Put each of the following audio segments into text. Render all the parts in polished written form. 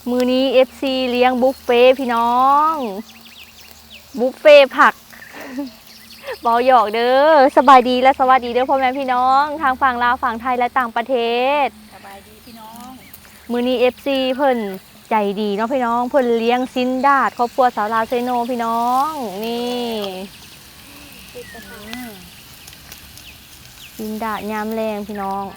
มือนี้ FC เลี้ยงบุฟเฟ่พี่น้องบุฟเฟ่ผักเบาหยอกเด้อสบายดีและสวัสดีเด้อพ่อแม่พี่น้องทางฝั่งลาวฝั่งไทยและต่างประเทศสบายดีพี่น้องมือนี้ FC เพิ่นใจดีเนาะพี่น้องเพิ่นเลี้ยงซินดาดครอบครัวสาวลาวเซโนพี่น้องนี่ซินดาดยามแรงพี่น้อง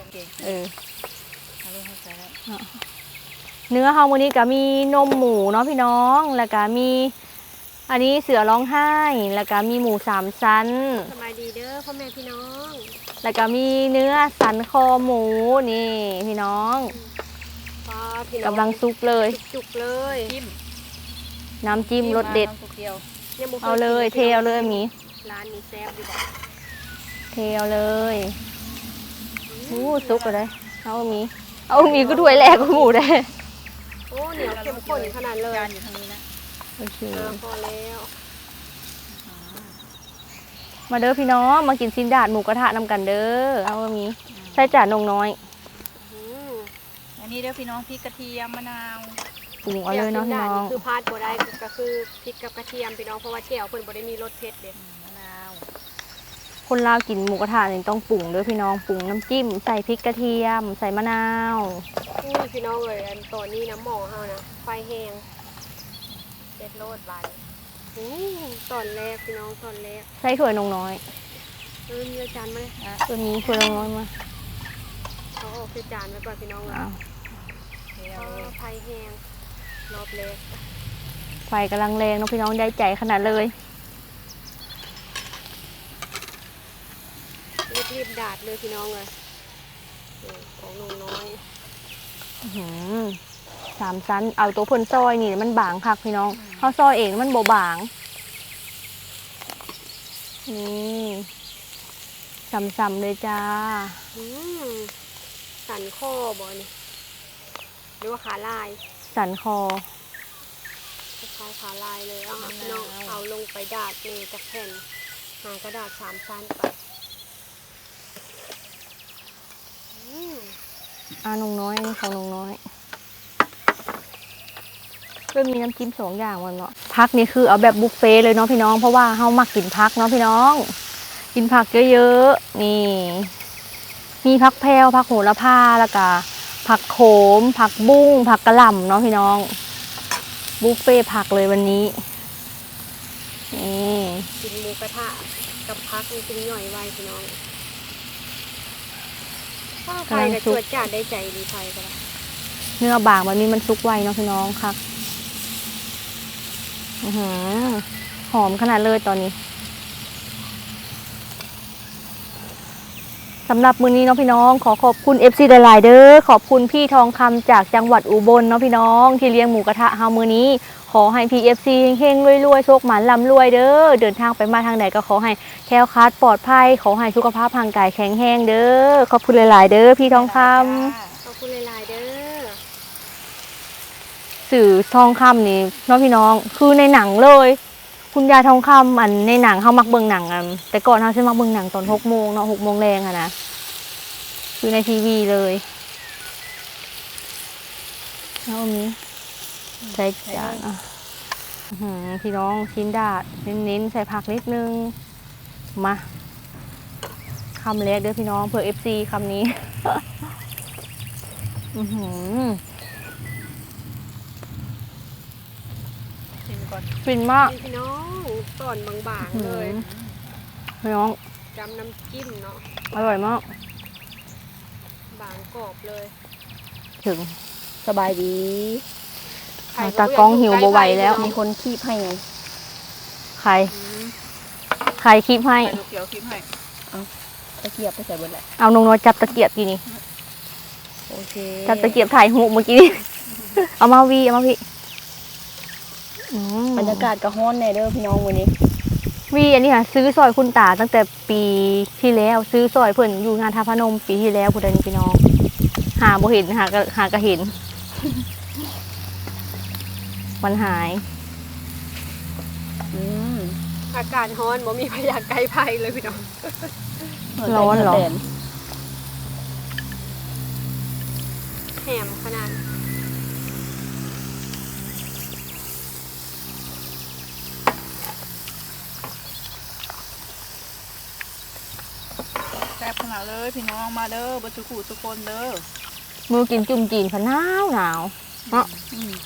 เนื้อเฮามื้อนี้ก็มีนมหมูเนาะพี่น้องแล้วก็มีอันนี้เสือร้องไห้แล้วก็มีหมู3ชั้นสบายดีเด้อพ่อแม่พี่น้องแล้วก็มีเนื้อสันคอหมูนี่พี่น้องกำลังซุปเลยจุกเลยน้ำจิ้มรสเด็ดเอาเลยเทเอาเลยมีร้านนี้แซ่บดีบ่เทเอาเลยซุปเลยเอามีก็ด้วยแหลกกับหมูได้โอ้เหนียวเข้มข้นขนาดเลยอยู่ทางนี้นะโอเคพอแล้วมาเด้อพี่น้องมากินซินดาดหมูกระทะนำกันเด้อเอามีใส่จานนงน้อยอันนี้เด้อพี่น้องพริกกระเทียมมะนาวปรุงเอาเลยเนาะพี่น้องคือพาดบ่ได้ก็คือพริกกับกระเทียมพี่น้องเพราะว่าแจ่วเพิ่นบ่ได้มีรสเผ็ดเด้มะนาวคนลาวกินหมูกระทะนี่ต้องปรุงเด้อพี่น้องปรุงน้ำจิ้มใส่พริกกระเทียมใส่มะนาวพี่น้องเอ้ยอันตอนนี้น้ำหม้อเฮานะไฟแห้งเด็ดโลดบาดตอนแรกพี่น้องตอนแรกใส่ถ้วยนงน้อยมีจานมาเลยตัวนี้ถ้วยนงน้อยมาเอาออกใส่จานไว้ก่อนพี่น้องไฟแห้งรอบเล็กไฟกำลังแรงน้องพี่น้องได้ใจขนาดเลยรีบดาดเลยพี่น้องเลยของนงน้อย 3 ชั้นเอาตัวพ่นซอยนี่มันบางคักพี่น้องเขาซอยเองมันโบบางนี่ซ้ำๆเลยจ้าสันคอบ่นี่หรือว่าขาลายสันคอขาลายเลยพี่น้องเอาลงไปดาดนี่จากแผ่นหากระดาษ3 ชั้นไปนงน้อยนี่ของนงน้อยเริ่มมีน้ำจิ้ม2 อย่างวันเนาะพักนี่คือเอาแบบบุฟเฟ่เลยเนาะพี่น้องเพราะว่าเฮามักกินพักเนาะพี่น้องกินผักเยอะๆนี่มีผักแพรวผักโหระพาแล้วก็ผักโขมผักบุ้งผักกระหล่ำเนาะพี่น้องบุฟเฟ่ผักเลยวันนี้นี่กินหมูกระทะกับพักนี่กินย่อยไวพี่น้องไฟกับจวดจ้าได้ใจดีไฟก็ได้เนื้อบางแบบนี้มันซุกไวเนาะพี่น้องค่ะหอมขนาดเลยตอนนี้สำหรับมื้อนี้เนาะพี่น้องขอขอบคุณ FC หลายๆเด้อขอบคุณพี่ทองคำจากจังหวัดอุบลเนาะพี่น้องที่เลี้ยงหมูกระทะเฮามื้อนี้ขอให้พี่ FC เฮงๆรวยๆโชคหมานร่ำรวยเด้อเดินทางไปมาทางไหนก็ขอให้แคล้วคลาดปลอดภัยขอให้สุขภาพร่างกายแข็งแรงเด้อขอบคุณหลายๆเด้อพี่ทองคำขอบคุณหลายๆเด้อสื่อทองคำนี่น้องพี่น้องคือในหนังเลยคุณยายทองคำอันในหนังเขามักเบิ่งหนังแต่ก่อนเขาใช้มักเบิ่งหนังตอน6 โมงเนาะ6 โมงแรงอะนะคือในทีวีเลยแล้วมีใส่จานพี่น้องชิ้นดาดเน้นๆใส่ผักนิดนึงมาคำแรกเด้อพี่น้องเผื่อ FC คำนี้ฟินมากพี่น้องตอนบางๆเลยพี่น้องจำน้ำจิ้มเนาะอร่อยมากบางกรอบเลยถึงสบายดีตากล้องหิวบ่ไหวแล้วมีคนคีบให้ไงใครคีบให้เกี่ยวคีบให้เอาตะเกียบไปใส่บนแหละเอานงน้อยจับตะเกียบทีนี้โอเคจับตะเกียบถ่ายหูเมื่อกี้เอามาพี่บรรยากาศกระห้อนแน่เด้อพี่น้องวันนี้อันนี้ค่ะซื้อซอยคุณตาตั้งแต่ปีที่แล้วซื้อซอยเพิ่นอยู่งานท่าพนมปีที่แล้วคุณเดนพี่น้องหาบ่เห็นหากระเห็นมันหายอากาศร้อนบ่มีพยาไกลไผ่เลยพี่น้องร้อนเหรอแหมขนาดซ่บขนาดเลยพี่น้องมาเด้อบัจุกูทุกคนเด้อมือกินจุ่มจีนพะหนาวหนาวเนาะอืม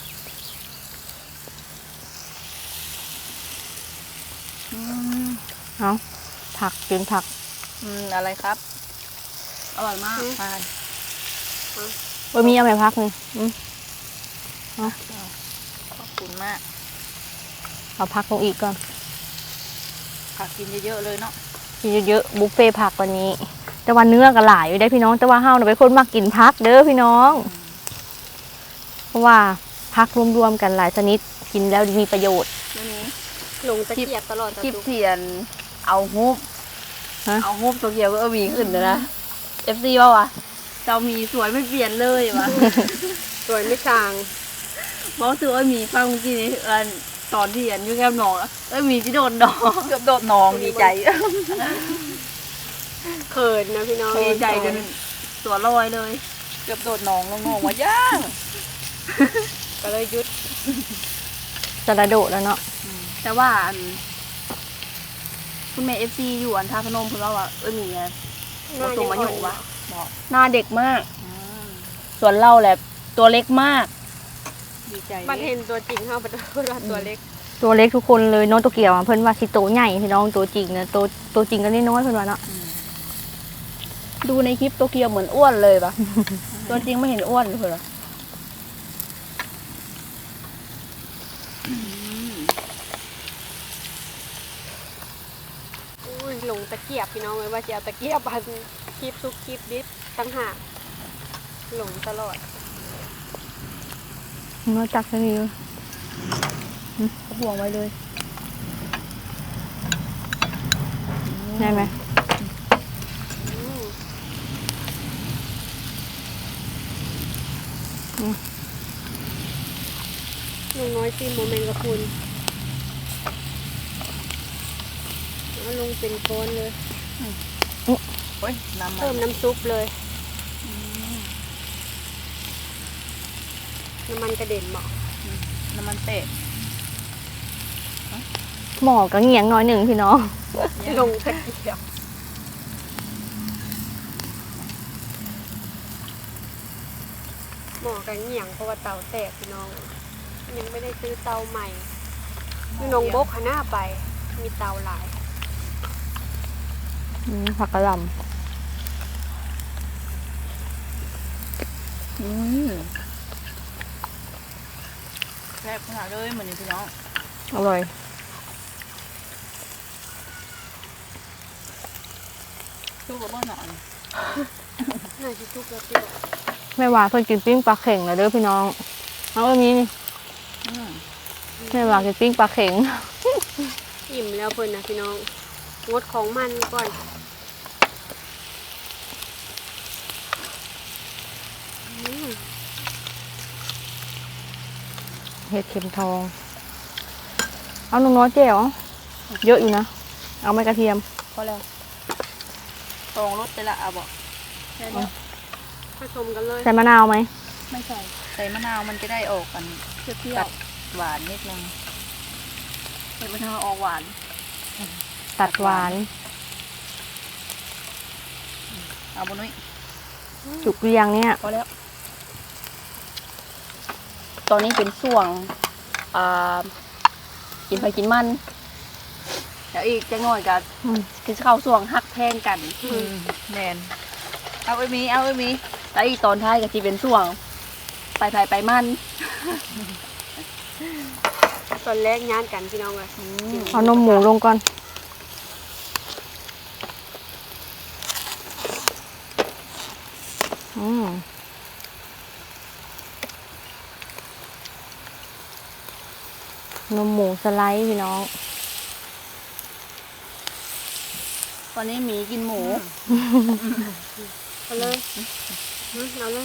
เอาผักกินผักอะไรครับอร่อยมากใช่บ่มีเอาไปพักนี่เอาขอบคุณมากเอาพักลงอีกก่อนผักกินเยอะๆเลยเนาะกินเยอะๆบุฟเฟ่ต์ผักวันนี้ แต่ว่าเนื้อก็หลายอยู่ได้พี่น้อง แต่ว่าเฮาน่ะเป็นคนมักกินผักเด้อพี่น้อง เพราะว่าผักรวมๆกันหลายชนิดกินแล้วมีประโยชน์วันนี้ลงตะเกียบตลอดคลิปทุกเทียนเอาฮูบฮะเอาฮูบตัวเกียวก็มีขึ้นนะ FC ว่าวะเจ้ามีสวยไม่เปลี่ยนเลยวะสวยไม่จางบอกถือว่ามีฟังเมื่อกี้นี้ตอนที่อยู่แก้มหนองมีที่โดนดองเกือบโดนหนองดีใจเขินนะพี่น้องดีใจจนตัวลอยเลย เกือบโดดหนองลงหนองมาย่างก็เลยยุดจะระโดดแล้วเนาะแต่ว่าคุณแม่ FC อยู่ท่าพนมคุณว่ามีไงผสมมาอยู่วะหน้าเด็กมาก ส่วนเราแหละตัวเล็กมาก ดีใจมันเห็นตัวจริงเขาเป็นตัวเล็กตัวเล็กทุกคนเลยน้องตัวเกี่ยวอะเพิ่นว่าสิโตใหญ่พี่น้องตัวจริงนะตัวจริงก็น้อยๆเพิ่นว่าเนาะดูในคลิปตัวเกียวเหมือนอ้วนเลยปะ ตัวจริงไม่เห็นอ้วนเลยเหรออุ้ยลงตะเกียบพี่น้องเลยว่าจะเอาตะเกียบพันคลิปทุกคลิปดิบตั้งหากหลงตลอดน้อยจักซะนี่ห่วงไว้เลยได้ไหมอืมลุงน้อยซีโมเมนต์กับคุณเอาลงเป็นก้อนเลยโอ้ยน้ำมัเพิ่มนน้ำซุปเลย น้ำมันกระเด็นบอกน้ำมันเตะหมอก็เงียงน้อยหนึ่งพี่น้องลงตะเกียบหมอกันเหงี่ยงเพราะว่าเตาแตกพี่น้อง ยังไม่ได้ซื้อเตาใหม่นี่นงบกขนาไป มีเตาหลายผักกระหล่แซ่บขนาดเลยเหมือนนี่พี่น้องำอร่อยสู้กับเมื่อหน่อยน่าจะทุกแล้วพี่บอกแม่ว่าเพิ่นกินปิ้งปลาเข่งแล้วเด้อพี่น้องเอาอันนี้นี่แม่ว่ากินปิ้งปลาเข่งอิ่มแล้วเพิ่นนะพี่น้อง งดของมันก่อนอืมเห็ดเข็มทอง เอาหนุ่มน้อยเจ๋วเยอะอยู่นะ เอาไม่กระเทียมพอแล้วตองรสไปละอ่ะบอกแค่นี้ผสมกันเลยใส่มะนาวไหมไม่ใส่ใส่มะนาวมันจะได้ออกกันเปรี้ยวๆหวานนิดนึงใส่มะนาวออกหวานตัดหวานเอาบนุ้ยจุกเรียงเนี่ยพอแล้ว ตอนนี้เป็นช่วงกินไปกินมันเดี๋ยวอีกจะง่อยกันคือเข้าช่วงฮักแพงกันแมนเอาไอ้มีแล้วอีกตอนท้ายก็จะเป็นช่วงไปมันตอนแรกย่านกันพี่น้องเลยเอานมหมูลงก่อน นมหมูสไลด์พี่น้องตอนนี้หมีกินหมูเอาเลยเอาเลย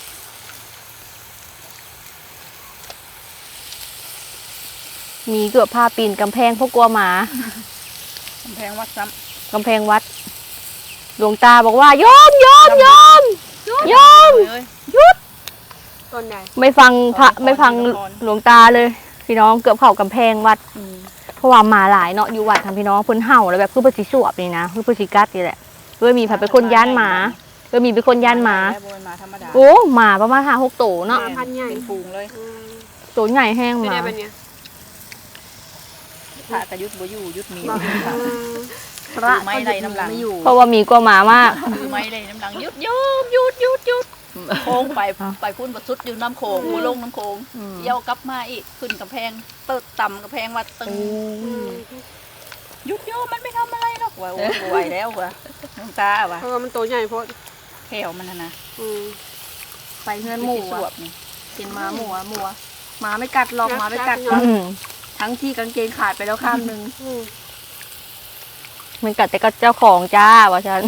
มีเกือบผ้าปีนกำแพงเพราะกลัวหมากำแพงวัดซ้กำแพงวัด หลวงตาบอกว่าโยมโยมโยมโยมำเลยต้นไหนไม่ฟังพระละครไม่ฟังละครหลวงตาเลย พี่น้องเกือบเข้ากำแพงวัด เพราะว่าหมาหลายเนาะอยู่วัดทางพี่น้องเพิ่นเห่าแล้วแบบคือเพิ่นสิสวบนี่นะคือเพิ่นสิกัดนี่แหละมีผัดเป็นคนย่านหมามีเป็นคนย่านหมาแล้วบ่เป็นหมาธรรมดาโอ้หมาประมาณ5-6ตัวเนาะพันใหญ่เป็นฝูงเลยตัวใหญ่แห้งหไม่มาได้เป็นเนี่ยพระกระยุทธบ่อยู่ยุทธมีบอกพระไม่ไรน้ำหลังไม่อยู่เพราะว่ามีกว่าหมามากคือไม่ไรน้ำหลังยุดโค้งไปพุ่นประสุดอยู่น้ำโขงหัวลงน้ำโขงเยี่ยวกลับมาอีกขึ้นกำแพงเติดต่ำกำแพงว่าตึงยุดโยมันไม่ทำอะไรหรอกว่าโอ้ไหวแล้วว่ะน้ำตาว่ะเพราะว่ามันโตใหญ่โพดแถวมันนะไปเฮือนหมูสวอ่ะบนี่กินหมาหมูหมาไม่กัดหรอกหมาไม่กัดอืมทั้งที่กางเกงขาดไปแล้วข้างนึงมันกัดแต่ก็เจ้าของจ้าว่าฉัน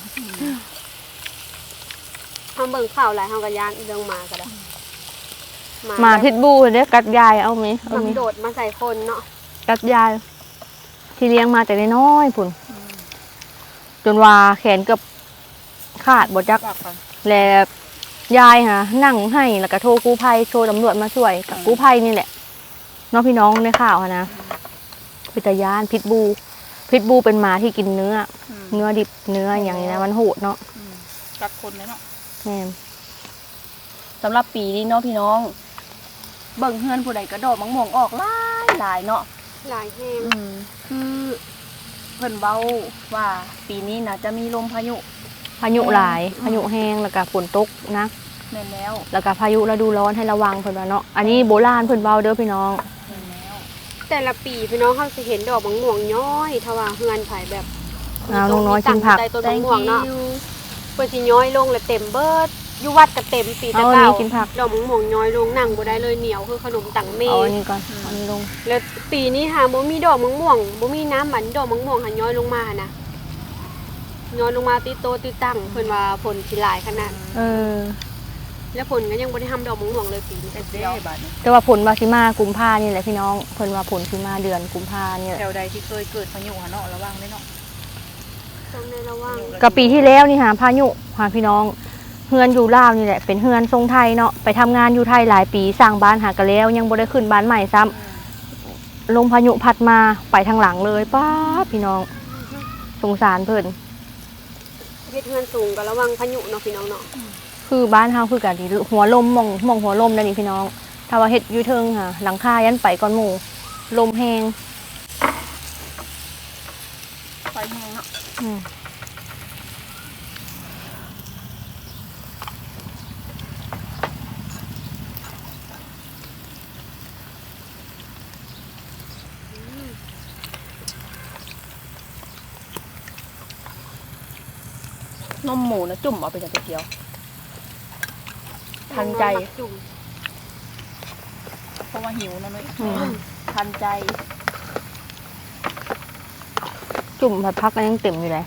ทำเบิ่งข่าวหลายทำกับยานเรื่องหมาก็ได้หมาพิษบูเนี่ยกัดยายเอาไหมมันโดดมาใส่คนเนาะกัดยายที่เลี้ยงมาแต่น้อยๆพุ่นจนว่าแขนเกือบขาดบดจักว่าก่อนแล้วยายฮะนั่งให้แล้วก็โทรกู้ภัยโทรตำรวจมาช่วยกับกู้ภัยนี่แหละน้องพี่น้องในข่าวอะนะพิตยานพิษบูเป็นหมาที่กินเนื้อดิบเนื้ออย่างนี้นะมันโหดเนาะกัดคนเลยเนาะแม่นสำหรับปีนี้เนาะพี่น้อง เบิ่งเฮือนผู้ใดกระโดดมังม่วงออกหลายเนาะหลายแห้งคือเพิ่นเว้าว่าปีนี้นะจะมีลมพายุพายุหลายพายุแห้งแล้วก็ฝนตกนะแม่นแล้วแล้วก็พายุฤดูร้อนให้ระวังเพิ่นว่าเนาะอันนี้โบราณเพิ่นเว้าเด้อพี่น้องแม่นแล้วแต่ละปีพี่น้องเขาจะเห็นดอกมะม่วงย้อยถ้าว่าเฮือนไผ่แบบเอาน้องน้อยกินผักใต้ต้นมะม่วงเนาะเพื่อสิย้อยลงแล้วเต็มเบิดอยู่วัดก็เต็มปีเอาแต่อันเก่านี้กินผักดอกมะม่วงย้อยลงนั่งบ่ได้เลยเหนียวคือขนมตังเมเอาอันนี้ก่อนอันนี้ลงแล้วปีนี้หาบ่มีดอกมะม่วงบ่มีน้ำหมันดอกมะม่วงหันย้อยลงมาหั่นนะย้อยลงมาติดโตติดตั้งเพิ่นว่าผลสิหลายขนาดเออแล้วผลก็ยังบ่ได้ทำดอกมะม่วงเลยปีนี้เด็ดเดียวบาดนี้แต่ว่าผลวาสิมากุมภานี่แหละพี่น้องเพิ่นว่าผลสิมาเดือนกุมภานี่แหละแถวใดที่เคยเกิดพายุหะเนาะระวังด้วยเนาะต้องในระวังก็ปีที่แล้วนี่หาพายุหาพี่น้องเฮือนอยู่ลาวนี่แหละเป็นเฮือนทรงไทยเนาะไปทำงานอยู่ไทยหลายปีสร้างบ้านหากะแล้วยังบ่ได้ขึ้นบ้านใหม่ซ้ำลมพายุพัดมาไปทางหลังเลยป้าดพี่น้องสงสารเพิ่นเฮ็ดเฮือนสูงก็ระวังพายุเนาะพี่น้องเนาะคือบ้านเฮาคือกันที่หัวลมมองหัวลมนั่นนี่พี่น้องถ้าว่าเฮ็ดอยู่เทิงค่ะหลังคายันไปก่อนหมู่ลมแฮงไฟแห้งเนาะอืมนมหมูนะจุ่มเอาไปจากเดียวทันใจจุ่มเพราะว่าหิวนะนุ้ยอืมทันใจจุ่มผัดพักก็ยังเต็มอยู่เลย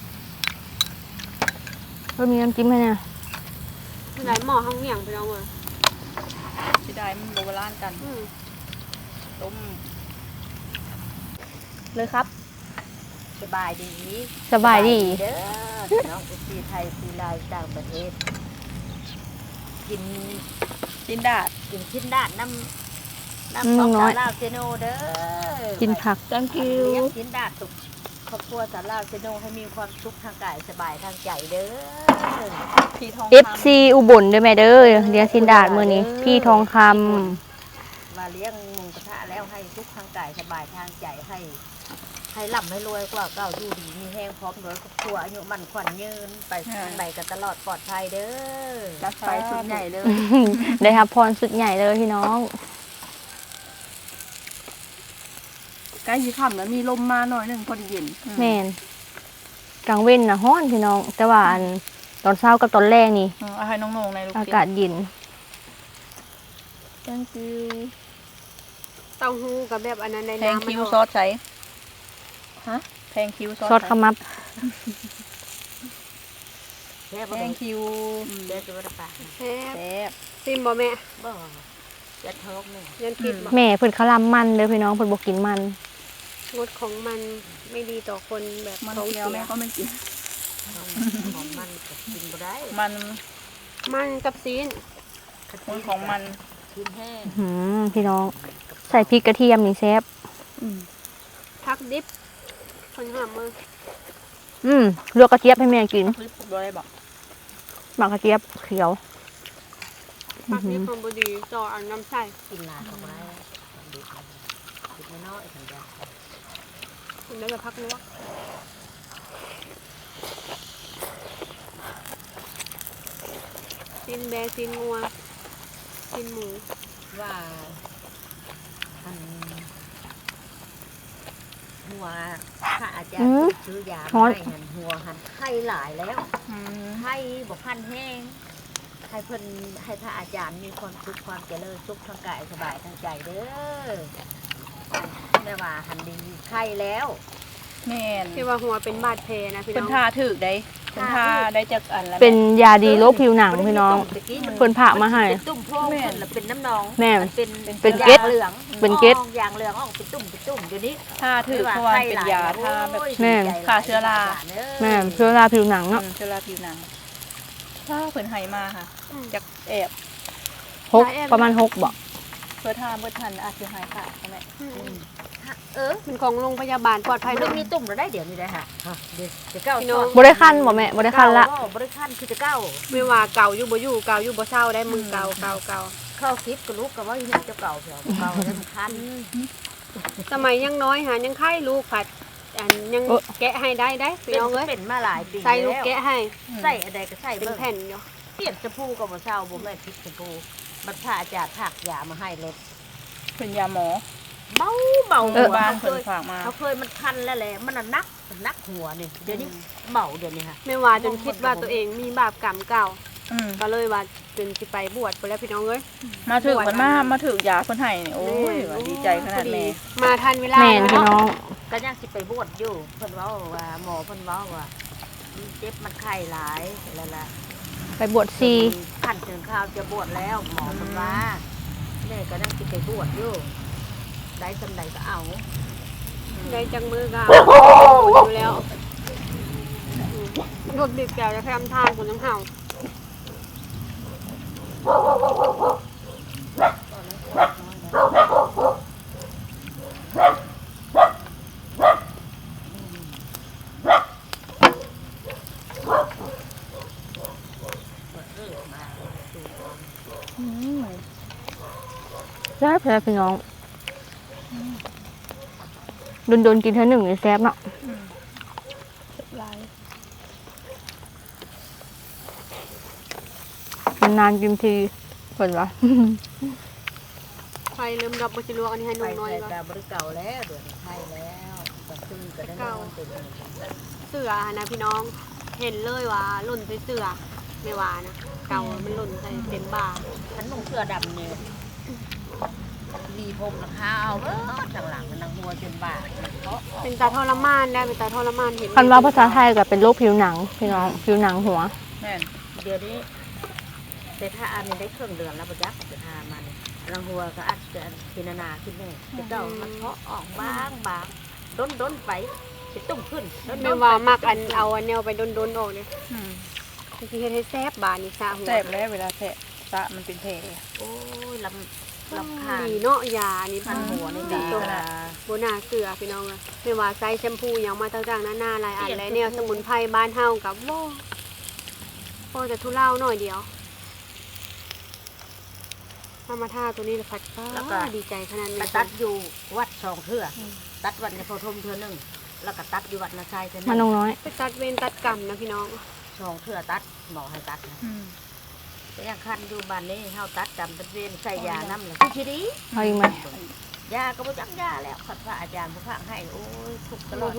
ก็มีน้ำจิ้มให้เนี่ยหลายหม้อห้องเหวี่ยงพี่น้องเอ้ยที่ได้มันโบราณกัน ต้มเลยครับสบายดีสบายดีเด้อน้องที่ไทยที่ลาวต่างประเทศ กินจินดาดกินชิ้นด้านน้ำของสาวลาวเซโนเด้อกินผัก thank เลี้ย you งชิ้นด้านสุขครอบครัวสาวลาวเซโนให้มีความสุขทางกายสบายทางใจเด้อพี่ทอง FC อุบลด้วยแม่เด้อเลี้ยงสินดาดมื้อนี้พี่ทองคำมาเลี้ยงหมูกระทะแล้วให้สุขทางกายสบายทางใจให้ร่ำให้รวยกว่าเก่าอยู่ดีมีแห้งพร้อมด้วยครอบครัวอายุมั่นขวัญยืนไปทางใดกันตลอดปลอดภัยเด้อจัดไปสุดใหญ่เลยได้รับพรสุดใหญ่เลยพี่น้องใกล้ยี่ค่ำแล้วมีลมมาหน่อยหนึ่งพอดีเย็นแม่นกลางเว้นนะฮ้อนพี่น้อง แต่ว่าอันตอนเช้ากับตอนแรกนี่เอาให้น้องๆในลูกอากาศเย็น thank you เต้าหู้กับแบบอันนั้นในแพงน้ำคิวมันซอสใช้ฮะแพงคิวซอสซอสขมับแซ่บแพบ่งคิวเด้อตัวปากแซ่บแซ่บซิมบ่แม่บ่จะท้องนี่ยันกินบ่แม่เพิ่นคลำมันเด้อพี่น้องเพิ่นบ่กินมันงดของมันไม่ดีต่อคนแบบมันท้องเคี้ยวเสีแม่ยก็ไม่กินของมันก็กินบ่ได้มันมันกับซีนมันของมันกินแห้งพี่น้องใส่พริกกระเทียมนี่แซ่บพักดิบคนหามือลวกกระเจี๊ยบให้แม่กินคลิปบ่ได้บอกหมักกระเจี๊ยบเขียวพักนี้ความบดีต่อเอาน้ำใส่กินหลายของไรดิบน้อยสัญญาคุณได้จะพักลวกซีนแบซีนงัวซีนหมูว่าอันหัวถ้าอาจารย์ซื้อยาให้หันหัวหันไข้หลายแล้วไข้บอกพันแห้งให้เพิ่นให้พระอาจารย์มีความสุขความเจริญสุขทางกายสบายทางใจเด้อแม่ว่าหันดีไข้แล้วแม่นที่ว่าหัวเป็นบาดแผลนะพี่เพิ่น้นองทาถึกได้เพิ่นทาได้จากอันแล้วเป็นยาดีโรคผิวหนังพี่น้อง เพิ่นผ่ามาให้เป็นตุ่มโพรงเพิ่นละเป็นน้ำนองแม่มันเป็นเป็นเกล็ดยางเหลืองเป็นเกล็ดยางเหลืองออกเป็นตุ่มอยู่นี้ทาถึกเพราะว่าเป็นยาทาแบบแม่ฆ่าเชื้อราแม่เชื้อราผิวหนังเนาะเชื้อราผิวหนังถ้าเพิ่นให้มาค่ะจากแอบประมาณ6บ่เพื่อทาเมื่อทันอาจจะหายขาดใช่ไหมเป็นของโรงพยาบาลปลอดภัยมันเนาะมีตุ่มเราได้เดี๋ยวนี้ได้ค่ะเดี๋ยวจะเก้าพี่น้องบ่ได้คันบ่แม่บ่ได้คันละบ่ได้คันคือจะเก้าไม่ว่าเก่าอยู่บ่อยู่เก่าอยู่บ่เศร้าได้มือเก่าเข้าคลิปกับลูกกับว่าอยู่เจ้าเก่าเถอะเก่าได้มันคันสมัยยังน้อยหายังไข้ลูกผัดอันยังแกะให้ได้พี่น้องเอ้ยเป็นมาหลายปีใส่ลูกแกะให้ใส่อะไรก็ใส่เป็นเบิ่งแผ่นอยู่เปลี่ยนชมพูกับบ่เช้าบ่แม่พริกชมพูบัดพระอาจารย์ผักยามาให้เลยเป็นยาหมอเบาบ้านเคเพิ่นยฝากมาเขาเคยมันคันแล้วแหละมันนักหัวนี่เดี๋ยวนี้เบาเดี๋ยวนี้ค่ะไม่ว่าจนคิดว่าตัวเองมีบาปกรรมเก่าอืมก็เลยว่าจนสิไปบวชไปแล้วพี่น้องเอ้ยมาถึกมันมาถึกยาเพิ่นให้นี่โอ้ยว่าดีใจขนาดแม่มาทันเวลาแม่นพี่เนาะน้องก็ยังสิไปบวชอยู่เพิ่นเว้าว่าหมอเพิ่นเว้าว่ามันเจ็บมันไข้หลายแล้วล่ะไปบวชซีขั้นถึงข้าวจะบวชแล้วหมอเพิ่นว่าแม่ก็ยังสิไปบวชอยู่ได้สำใดก็เอาได้จังมือก็อยู่แล้วรถดึกแก้วจะทำทานคนน้ำเห่าแซ่บแซ่บพี่น้องโดนกินเท่าหนึ่งนี่แซ่บเนาะลายนานๆกินทีเพิ่นว่าไฟเริ่มดับบ่สิลวกอันนี้ให้ไปนุ่มน้อยใส่ก่อนกาบริเก่าแล้วเดือนไทยแล้วก็ซื้อก็ได้นอนเป็นเสือนะพี่น้องเห็นเลยว่าหล่นใส่เสือไม่ว่านะเก่ามันหล่นใส่เต็มบ่าฉันนุ่งเสื้อดำเนี่ยมีผมราคาเอาเออข้างหลังมันนังหัวจนบาดมันเพราะเป็นตาทรมานได้เป็นตาทรมานเห็นคันว่าภาษาไทยก็เป็นโรคผิวหนังพี่น้องผิวหนังหัวแม่นเดี๋ยวนี้แต่ถ้าอันนี้ได้เครื่องเดือนแล้วประยักษ์จะทามันรังหัวก็อาจจะพินานาขึ้นแน่จะเก่ามันเพาะออกบางด้นไปจะตุ้มขึ้นไม่ว่ามักอันเอาอันแนวไปโดนๆออกเนี่ยอืมจริงๆเฮ็ดให้แซ่บบาดนี่ซะหัวแสบแล้วเวลาแสบตะมันเป็นแผลโอ้ยลำคาญดีเนาะยานี่พันหัวนี่ดีดีขนาดโบนาเสือพี่น้องเลยไม่ว่าใส่แชมพูหยังมาต่างๆนานาหลายอันหลายแนวสมุนไพรบ้านเฮากับโว้พอจะทุเลาหน่อยเดียวมาท่าตัวนี้ละพัดป้าดีใจขนาดไปนี้ตัดอยู่วัด2เทื่อตัดวัดในโพธมเทื่อนึงแล้วก็ตัดอยู่วัดนาชัยเทื่อนึมันน้องงน้อยไปตัดเวรตัดกรรมนะพี่น้อง 2เทื่อตัดหมอให้ตัดนะอืมแต่ยังคันอยู่บ้านนี้เฮาตัดจำเป็นเวรใส่ยาน้ำเลยทีดีเอาอีกไหมยาก็บ่จักยาแล้วขัดพระอาจารย์ผู้พากให้โอ้ยทุกตลอด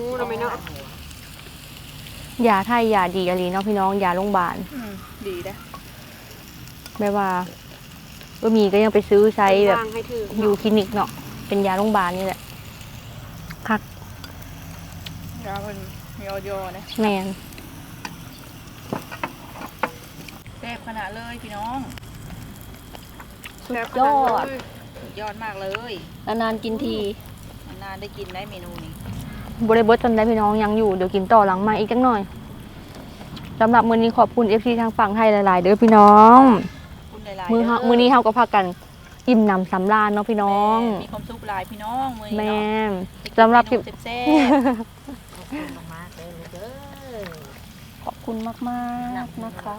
ยาไทยยาดีอะไรเนาะพี่น้องยาโรงพยาบาลอืมดีนะไม่ว่ามีก็ยังไปซื้อใช้แบบวางให้ถืออยู่คลินิกเนาะเป็นยาโรงพยาบาลนี่แหละคักยาเพิ่นมีออยนะแมนแซ่บขนาดเลยพี่น้องสุดยอดสุดยอดมากเลยนานๆกินทีนานๆได้กินได้เมนูนี้บริบทจนได้พี่น้องยังอยู่เดี๋ยวกินต่อหลังมาอีกจักหน่อยสำหรับมื้อนี้ขอบคุณ FC ทางฝั่งไทยหลายๆเด้อพี่น้องคุณหลายๆมื้อนี้เฮาก็พากันอิ่มหนำสำราญเนาะพี่น้องมีความสุขหลายพี่น้องมื้อนี้แม่เนาะนสำหรับคลิปแซ่บขอบคุณมากๆเลยเด้อคุณมากๆนะคะ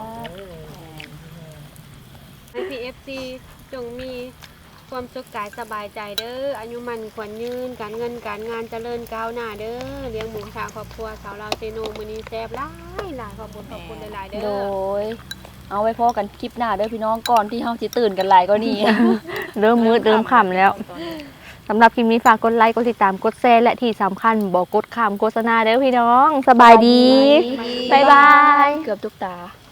ให้ PFC จงมีความสุขกายสบายใจเด้ออายุมันขวัญยืนการเงินการงานเจริญก้าวหน้าเด้อเลี้ยงหมูชาครอบครัวสาวลาวเซโนมื้อนี้แซ่บหลายขอบคุณหลายๆเด้โดอยเอาไว้พอกันคลิปหน้าเด้อพี่น้องก่อนที่เฮาสิตื่นกันหลายก็นี่เริ่มมืดเริ่มค่ำแล้วสำหรับคลิปนี้ฝากกดไลค์กดติดตามกดแชร์และที่สำคัญบอกกดข้ามโฆษณาเด้อพี่น้องสบายดี บ๊ายบายเกือบทุกตา